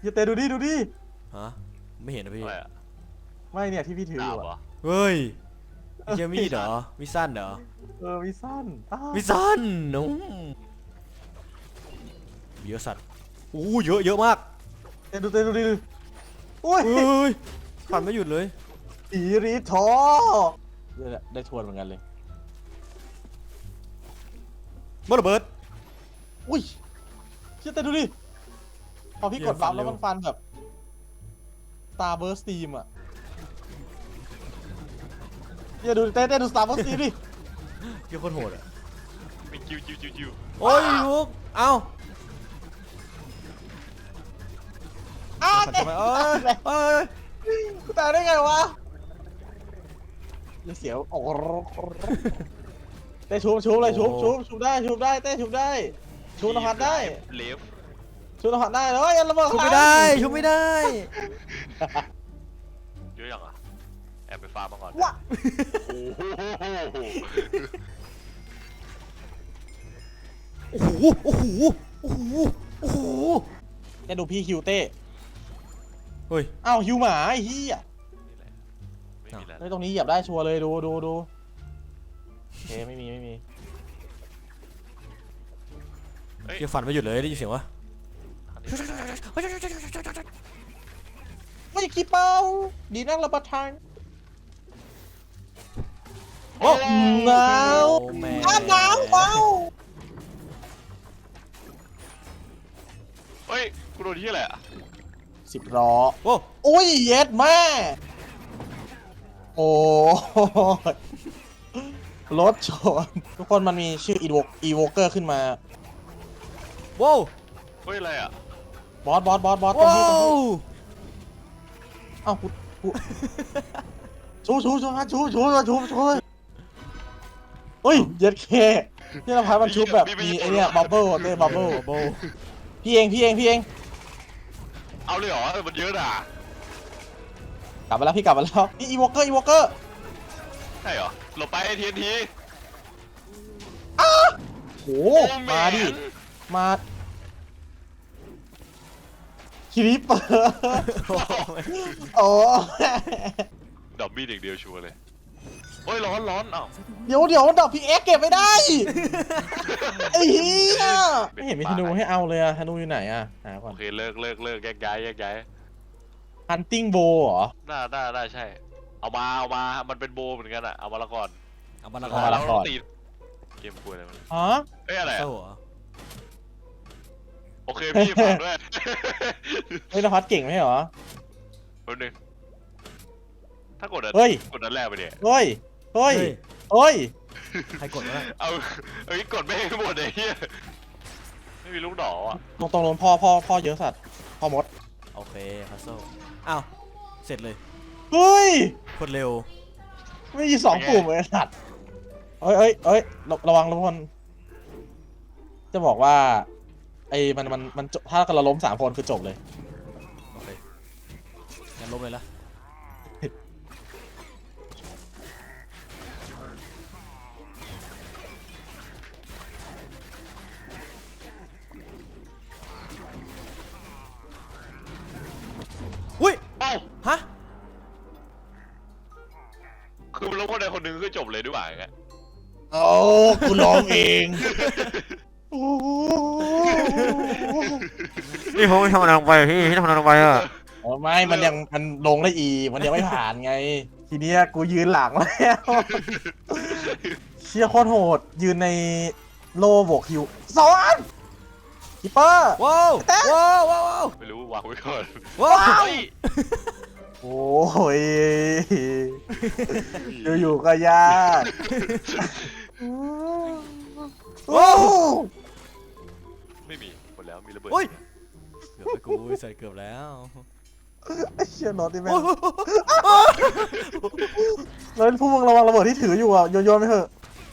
อย่าเตะดูดิดูดิฮะไม่เห็นนะพี่อะไรอะไม่เนี่ยที่พี่ถืออดาบยู่เหรออะเฮ้ยเจมีดเหรอมีสั้นเหรอวิสั้นมีสั้นนุ่มเยอะสัตว์โอ้เยอะมากเตะดูดิโอ้ยเฮ้ยผ่านไม่หยุดเลยผีรีทอได้ทวนเหมือนกันเลยบอลระเบิดอุ้ยเชี่ยเตะดูดิพอพี่กดบัฟแล้วมันฟันแบบ Starburst Steam อ่ะอย่าดูเต้ดู Starburst Steam ดิเกี่ยวโคตรโหดอ่ะมีคิวโอ้ยลูกเอ้าเตะทำไมเอ้ยกูตายได้ไงวะอย่าเสียวโอ้เต้ชุบเลยชุบได้เต้ชุบได้ชุบนภัสได้เลฟชุบนภัสได้เลยอย่าระเบิดชุบไม่ได้ชุบไม่ได้เยอะยังอ่ะแอบไปฟาร์มมาก่อนวะโอ้โหโอ้โหเต้ดูพี่ฮิวเต้เฮ้ยอ้าวฮิวหมาไอ้เหี้ยไม่มีแล้วเฮ้ยตรงนี้เหยียบได้ชัวร์เลยดูโอเคไม่มีเกี่ยวฝันไม่หยุดเลยได้ยินเสียงวะไม่ขี้เป้าดีนั่งรับประทานโอ้หนาวแม่หนาวเปล่าเฮ้ยกูโดนที่อะไรอ่ะ 10 ล้อโอ้อุ้ยเย็ดแม่โอ้รถชนทุกคนมันมีชื่ออีโวเกอร์ขึ้นมาว้าวเฮ้ยอะไรอ่ะบอสตรงว้านี้วอ้าวกูชูเฮ้ยเย็ดเคนี่เราพายมันชุบแบบมีไอเนี้ยบับเบิ้ลเต้บับเบิ้ลโบพี่เองเอาเลยเหรอมันเยอะอ่ะกลับมาแล้วพี่กลับมาแล้วนี่อีโวเกอร์ใช่เหรอหลบไปทีนทีโหมาดิมาคิริปเปอร์โอ้ดอกมีดอย่างเดียวชัวร์เลยโอ้ยร้อนอ้าวเดี๋ยวดอกพีเอ็กเก็บไม่ได้ไอ้เหี้ยไม่เห็นมีธนูให้เอาเลยอะธนูอยู่ไหนอะหาก่อโอน เคเลิกแยกย้ายฮันติ้งโบเหรอน่าใช่เอามามันเป็นโบเหมือนกันอ่ะเอามาละก่อนเอามาละเอามาละ ก่อนตีเกมคุยอะไรมันฮะเอ้ยอะไรเศร้าอ่ะเหรอโอเคพี่ฝากด้วยเฮ้ยนภัสเก่งไหมเหรอแป๊บนึงถ้ากดเฮ้ยกดอันแรกไปเนี่ยเฮ้ยใครกดวะเอากดไม่ให้หมดเลยเฮียไม่มีลูกดอกอ่ะตรงๆพ่อเยอะสัตว์พ่อมดโอเคพัซโซอ้าวเสร็จเลยเฮ้ยโคตรเร็วไม่มี2 ปุ่มเลยสัตว์เอ้ยระวังทุกคนจะบอกว่าไอ้มันถ้าเราล้ม3 คนคือจบเลยโอเคงั้นลบเลยละอุ้ยเอ้าฮะคือมันลงคนใดคนหนึ่งก็จบเลยด้วยไงโอ้กูร้องเองนี่ผมไม่ทำอะไรลงไปพี่ทำอะไรลงไปอ่ะไม่มันลงได้อีกมันยังไม่ผ่านไง ทีเนี้ยกูยืนหลังแล้วเชี่ยโคตรโหดยืนในโลบวกฮิวสอนคิปเปอร์ว้าวว้าวไม่รู้วางไว้ก่อนว้าวเฮ้ยโอ้ยอยู่ๆก็ยากโอ้ไม่มีหมดแล้วมีระเบิดโอ้ยเกือบไปกูใส่เกือบแล้วไอ้เชี่ยน็อตดิแม่งแล้วพวกมึงระวังระเบิดที่ถืออยู่อ่ะโยนไปเถอะ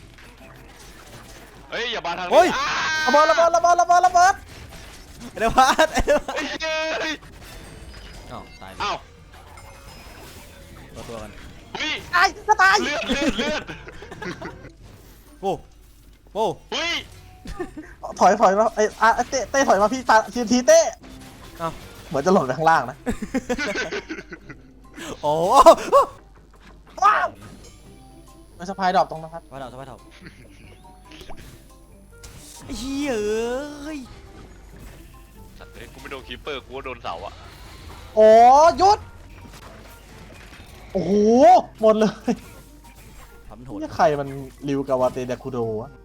เฮ้ยอย่ามาทางโอ้ยระเบิดเดี๋ยวพัดเฮ้ยเฮ้ยอ้าวตายอ้าวตัวกันเฮ้ยตายจะตายเลือดโอ้โอ้เฮ้ยถอยมาไอ้เต้ถอยมาพี่ตาทีเต้อ้าวเหมือนจะหล่นไปข้างล่างนะโอ้ว้าวมันสะพายดอกตรงนะครับสบายถอบไอ้เหี้ยเอ้ยสัตว์เอ้ยกูไม่โดนคีปเปอร์กูก็โดนเสาอะโอ้หยุดโอ้โหหมดเลยทำโหดนี่ใครมันริวกาวาเตเดคุโดวะ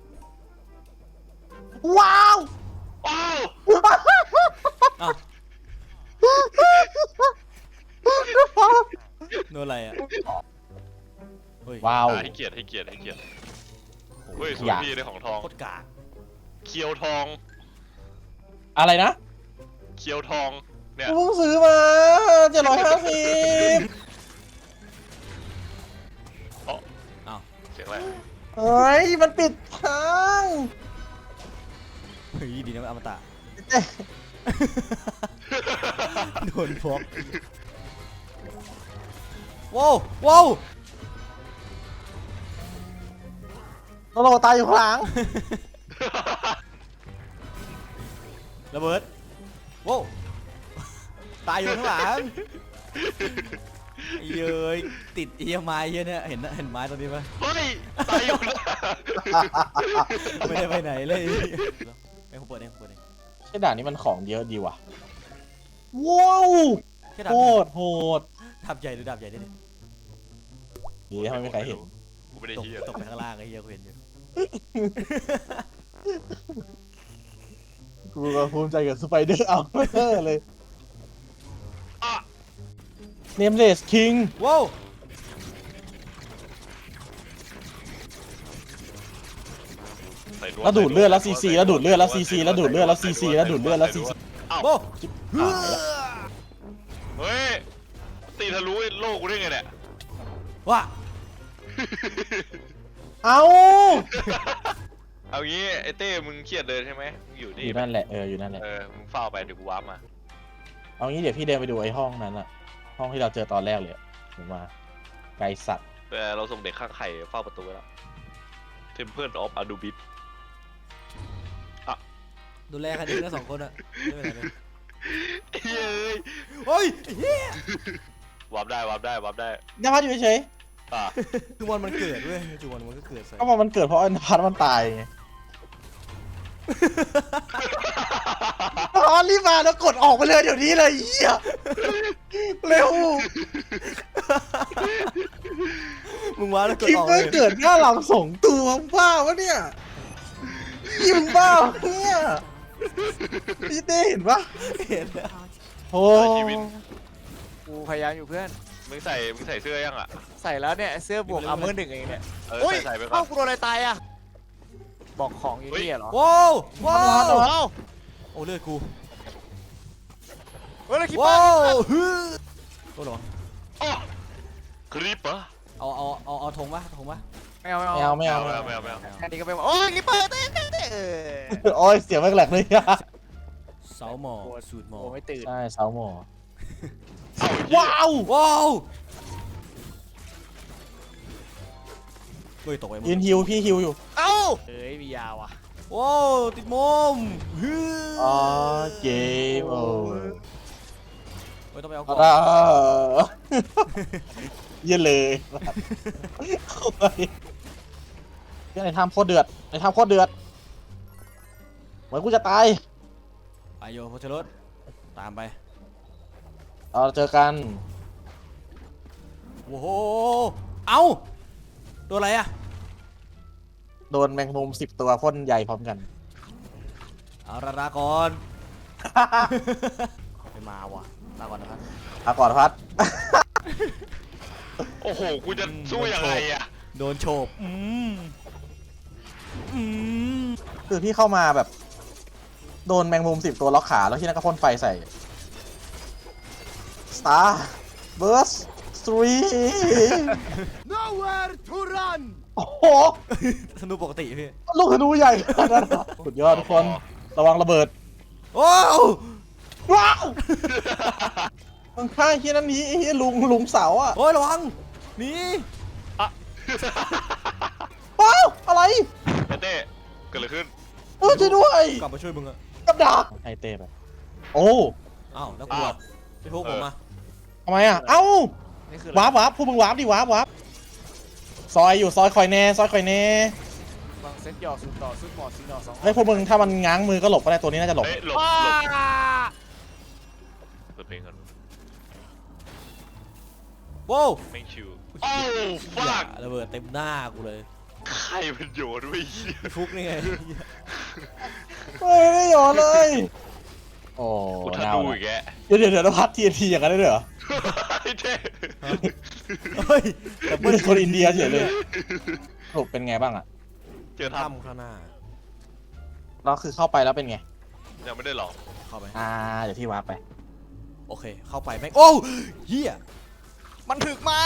ว้าวอ้าวอ้าวโดนอะไรอ่ะเฮ้ยว้าวให้เกียรติเฮ้ยสวยพี่ได้ของทองโคตรกากเคียวทองอะไรนะเคียวทองเนี่ยกูเพิ่งซื้อมา750 อ๋ออ้าวเสียงอะไรเฮ้ยมันปิดทางเฮ้ยดีนะมันอมตะเอ๊ะโดนพกว้าวว้าวโลโลตายอยู่ข้างหลังระเบิดว้าวตายอยู่ข้างหลังไอ้เย้ยติดเอียไม้เยอะเนี่ยเห็นไม้ตรงนี้ปะเฮ้ยตายอยู่นะไม่ได้ไปไหนเลยไอ้ผมเปิดเองผมเปิดเองใช่ด่านนี้มันของเยอะดีว่ะว้าวแค่ดาบโหดโหดดาบใหญ่หรือดาบใหญ่ได้ดิดีทำไมไม่มีใครเห็นกูไม่ได้ตกเฮียตกไปข้างล่างไอ้เหี้ยกูเห็นอยู่กูก็ภูมิใจกับสไปเดอร์เอาเลยอ่ะเนมเลสคิงว้าวใส่นแล้วดูดเลือดแล้วซีซีแล้วดูดเลือดแล้วซีซีแล้วดูดเลือดแล้วซีซีแล้วดูดเลือดแล้วซีซีอ้าวว้าวเฮ้ยตีทะลุโลกกูได้ไงเนี่ยว้าเอาเอางี้ไอ้เต้มึงเครียดเลยใช่ไหมมึงอยู่อนี่ยู่นั่นแหละอยู่นั่นแหละมึงเฝ้าไปเดี๋ยวกูว้าร์ปมาเอางี้เดี๋ยวพี่เดินไปดูไอ้ห้องนั้นอะห้องที่เราเจอตอนแรกเลยอะผมมาไกลสัตว์แต่เราส่งเด็กข้างไข่เฝ้าประตูไว้แล้ว Temple of Anubis ดูแลกันเองนะสองคนอะไม่เป็นไรเลยเฮ้ยเฮ้ยเฮียวาร์ปได้นภัสอยู่เฉยอ่ะจุวันมันเกิดเว้ยจุวันมันก็เกิดใส่ๆก็บอกมันเกิดเพราะนภัสมันตายไงนภัสรีบมาแล้วกดออกไปเลยเดี๋ยวนี้เลยเหี้ยเร็วมึงว้าแล้วกดคิมออกไม่เลยเกิดหน้าหลังสองตัวบ้าวะเนี่ยยิมบ้าเนี่ยพี่เต้เห็นปะเห็นแล้วโอ้ชีวิตกูพยายามอยู่เพื่อนมึงใส่เสื้อยังอ่ะใส่แล้วเนี่ยเสื้อบวกอาร์เมอร์หนึ่งเองเนี่ยใส่ไปก่อเอ้าน กูโดนอะไรตายอ่ะ บอกของอยู่นี่เหรอว้าวว้าวเอ้าโอ้เลือดกูเฮ้ยแล้วคิปเปอว้าร์วฮึโอ้หรออ๋อคลิปเหรอเอาธงปะธงปะไม่เอาไม่เอาไม่เอาไม่เอาแค่นี้ก็เป็นโอ้ยคิปเปอร์เต้โอ้ยเสียงแม่งแหลกเลยอะเสาหมอสูตรหมอโอ้ไม่ตื่นใช่เสาหมอว้าว้าวว้าวเฮ้ยตกไปหมดยืนฮิวพี่ฮิวอยู่เอ้าเฮ้ยมียาวอ่ะว้าวติดมุมฮึอ๋อเกมโอ้ยเฮ้ยต้องไปเอาก่อนเยี่ยเลยเข้าไปในถ้ำโคตรเดือดในถ้ำโคตรเดือดเหมือนกูจะตายไปโยโพชรสตามไปเราเจอกันโอ้โหเอ้าโดนอะไรอะโดนแมงมุม10 ตัวพ่นใหญ่พร้อมกันเอาละลาก่อน ไม่มาว่ะลาก่อนนะครับอาก่อนพัดโอ้โหกูจะสู้ยังไงอ่ะโดนโฉบอืมคือพี่เข้ามาแบบ โดนแมงมุม10 ตัวล็อกขาแล้วที่นั่นก็พ่นไฟใส่ Star Burst 3 Nowhere to run โอ้โหธนูปกติพี่ลูกธนูใหญ่ขนาดนั้นเหรอสุดยอดทุกคนระวังระเบิดว้าวว้าวมึงฆ่าไอ้เฮียนั่นนี้ไอ้เฮียลุงเสาอ่ะโอ้ยระวังหนี่ว้าวอะไรเต้เกิดอะไรขึ้นช่วยด้วยกลับมาช่วยมึงอะกับดักไอเต้ไปโอ้อ้าวแล้วกูอะพี่พุกผมมาทำไมอ่ะเอ้านี่คือวาร์ปพวกมึงวาร์ปดิวาร์ปซอยอยู่ซอยคอยแน่ซอยคอยแน่บางเซตหยอกสุดต่อสุดหมอดสีหนอสองเฮ้ยพวกมึงถ้ามันง้างมือก็หลบก็ได้ตัวนี้น่าจะหลบเฮ้ยหลบว้าเปิดเพลงก่อนโว้วแม่งชิวโอ้ฟากระเบิดเต็มหน้ากูเลยใครมันโยนไว้เหี้ยพี่พุกนี่ไงเฮ้ยไม่หยอเลย โอ้กูทันน่าดูวอีกแกเดี๋ยวพัดTNTอย่างนั้นได้ด้วยเหรอไอ้เท่เฮ้ยแต่ไม่ใช่คนอินเดียเฉยเลยสรุปเป็นไงบ้างอ่ะเจอทถ้ำข้างหน้าแล้วคือเข้าไปแล้วเป็นไงำยังไม่ได้ลองเข้าไปเดี๋ยวพี่วาร์ปไปโอเคเข้าไปแม่งโอ้เฮียมันถึกมาก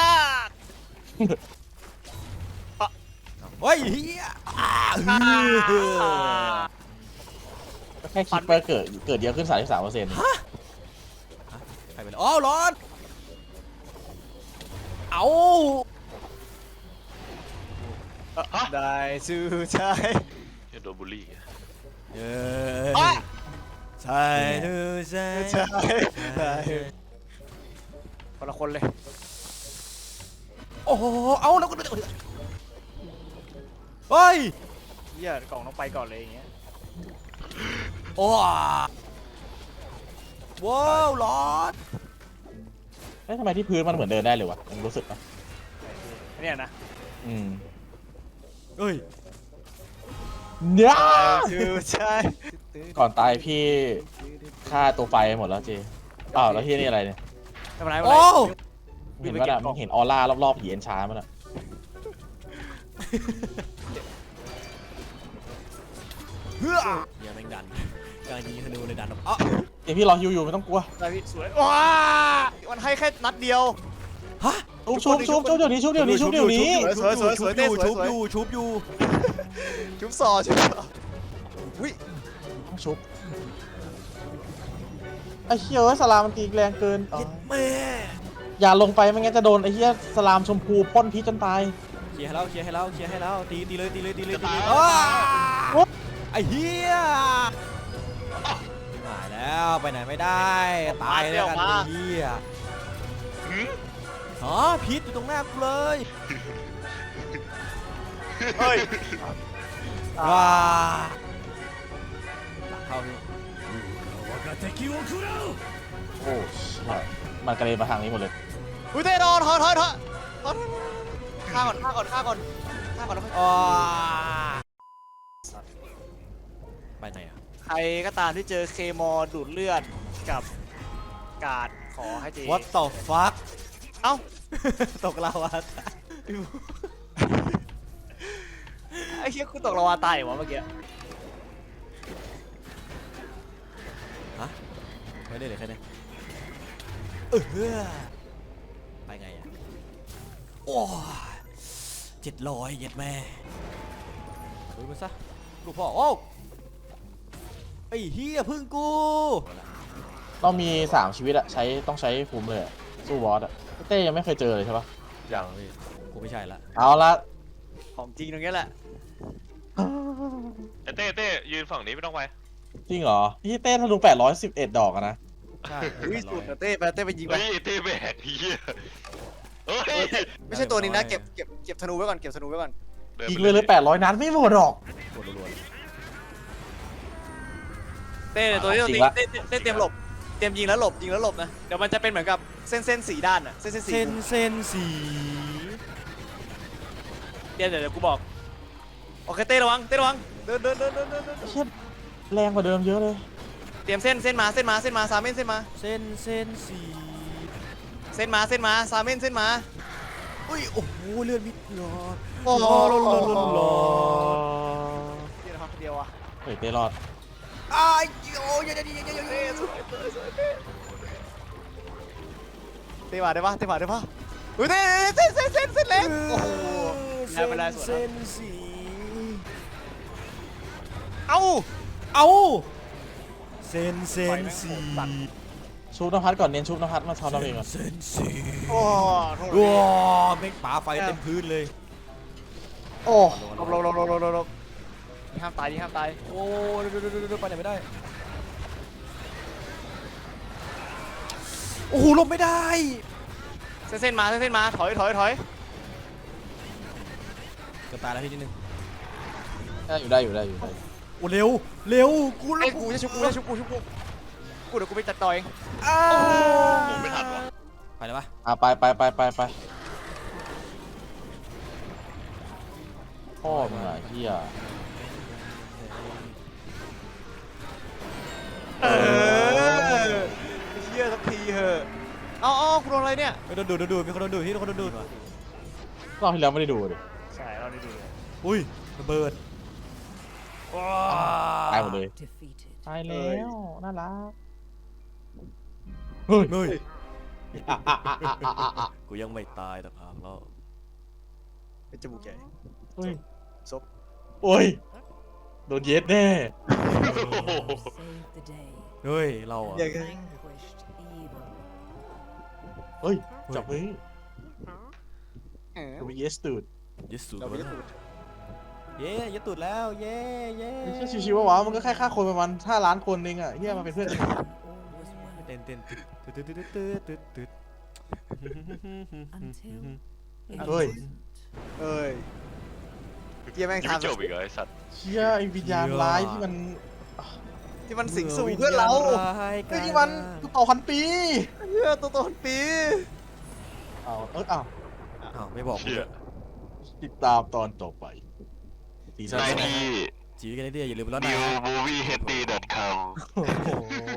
เฮ้ยเฮียอ้าแค่คิดไปเกิดเยอะขึ้น 33% ใครไปเลยอ๋อร้อนเอาได้สู้ใช่โดนบูลลี่เย้ใช่ดูใช่ใช่ได้คนละคนเลยโอ้โหเอาแล้วก็เฮ้ยเหี้ยกล่องต้องไปก่อนเลยอย่างเงี้ยโอ้ว้าวร้อนเอ๊ะทำไมที่พื้นมันเหมือนเดินได้เลยวะมึงรู้สึกปะเนี่ยนะอืมเฮ้ยเนี่ยสู้ใช่ก่อนตายพี่ฆ่าตัวไฟหมดแล้วเจอ้าวแล้วที่นี่อะไรเนี่ยไม่เป็นไรไม่เป็นโอ้ไรเห็นว่าน่ะมึงเห็นออร่ารอบๆผีเอ็นชามั้ยน่ะเฮ้ยอย่าแม่งดันกลางยิงธนูเลยดันอ๋อเดี๋ยวพี่รอฮิวอยู่ไม่ต้องกลัวได้พี่สวยว้ามันให้แค่นัดเดียวฮะชุบเดี๋ยวนี้ชุบเดี๋ยวนี้ชุบอยู่ชุบซอชุบซออุ้ยต้องชุบไอ้เหี้ยเอ้ยสลามมันตีแรงเกินอ๋อแม่อย่าลงไปไม่งั้นจะโดนไอ้เหี้ยสลามชมพูพ่นพิษจนตายเคลียร์ให้เราตีเลยไอ้เหี้ยหายแล้วไปไหนไม่ได้ตายแล้วกันไอ้เหี้ยอ๋อพิษอยู่ตรงหน้ากูเลยเฮ้ยว้าเข้าพี่โอ้ใช่มันกระเด็นมาทางนี้หมดเลยอุ้ยเต้นอนถอยฆ่าก่อนแล้วค่อยอ๋อไปไหนอ่ะใครก็ตามที่เจอเคมอดูดเลือดกับกาดขอให้เจ What the fuck เอ้าตกลาวาไอ้เชี่ยคุณตกละวาตายเหรอวะเมื่อกี้ฮะไม่ได้เลยแค่นี้ไปไงอ่ะโอ้700เย็ดแม่ดูมันซะลูกพ่อโอ้ไอ้เฮียพึ่งกูเรามี3ชีวิตอะต้องใช้ภูมิเลยอะสู้บอสอะเต้ยังไม่เคยเจอเลยใช่ปะอย่างพี่กูไม่ใช่ละเอาละของจริงตรงนี้แหละไอ้เต้ยืนฝั่งนี้ไม่ต้องไปจริงเหรอพี่เต้ธนู811 ดอกอะนะใช่อุ้ยสุดนะเต้ไปยิงไปเฮ้ยเต้แบกเหี้ยเฮ้ยไม่ใช่ตัวนี้นะเก็บธนูไว้ก่อนเก็บธนูไว้ก่อนยิงเลย800 นัดไม่หมดหรอกกดรัวเต้เนี่ยตัวนี้จริตีงละเต้เตรียมหลบเตรียมยิงแล้วหลบนะเดี๋ยวมันจะเป็นเหมือนกับเส้นสีด้านอะเส้นสีเส้นสีเดี๋ยวกูบอกโอเคเต้ระวังเดินเชี่ยแรงกว่าเดิมเยอะเลยเตรียมเส้นมาซาเม่นเส้นมาเส้นสีเส้นมาซาเม่นเส้นมาอุ้ยโอ้โหเลือดมิดหลอดโอ้โหหลอดเดี๋ยวนะครับเดียวอะเฮ้ยเต้รอดอ้ายโอ้ยเดี๋ยวเต้มาได้ปะอุ้ยเต้เส้นเล็กโอ้โหได้เวลาสวนเส้นสีเอ้าเอาเส้นสีชุบนภัสก่อนเน้นชุบนภัสมาทอนเราเองก่อนเส้นสีโอ้โทษว้าแม่งป่าไฟเต็มพื้นเลยโอ้ลบนี่ห้ามตายโอ้ไปไหนไม่ได้โอ้โหหลบไม่ได้เส้นมาถอยเกือบตายแล้วพี่นิดนึงได้อยู่โอ้เร็วเร็วกูไอ้กูจะชุบกูเดี๋ยวกูไปจัดต่อเองผมไม่ทันวะไปเลยปะไปพ่อมึงอะเฮียเหี้ยสักทีเหอะเอากูโดนอะไรเนี่ยไม่โดนดูดมีคนโดนดูดพี่โดนดูดว่ะรอบที่แล้วไม่ได้ดูดิใช่เราได้ดูเลยอุ้ยระเบิดตายหมดเลย Defeated. ตายแล้วน่ารักเฮ้ยเฮ้ยอ่ะกูยังไม่ตายแต่พังแล้วเป็นจมูกใหญ่เฮ้ยซบโอ้ยโดนเย็ดแน่ Save the day. เฮ้ยเราอะ Vanquished evil. เฮ้ยจับมือดูเยสตูดยึดสูตรเรามาไม่แล้วได้ดูเย้ยึดตูดแล้วเย้เย้ไม่ใช่ชิวๆวะมันก็แค่ฆ่าคนประมาณ5 ล้านคนเองอะเฮียมาเป็นเพื่อนกัน All was well เต้นตึ๊ด until it Ơi. wasn't. เอ้ยเกียแม่งยังไม่ทำจบอีกเหรอไอ้สัตว์เชี่ยไอ้วิญญาณร้ายที่มันที่มันสิงสู่เพื่อนเราไอ้ที่มันต่อพันปีเหี้ยตัวต้นปีอ้าวอ้าวไม่บอกเชี่ยติดตามตอนต่อไปซีซั่นได้ 2 ที่จีกันได้อย่าลืมแล้วนะ newmoviehd.com โอ้โห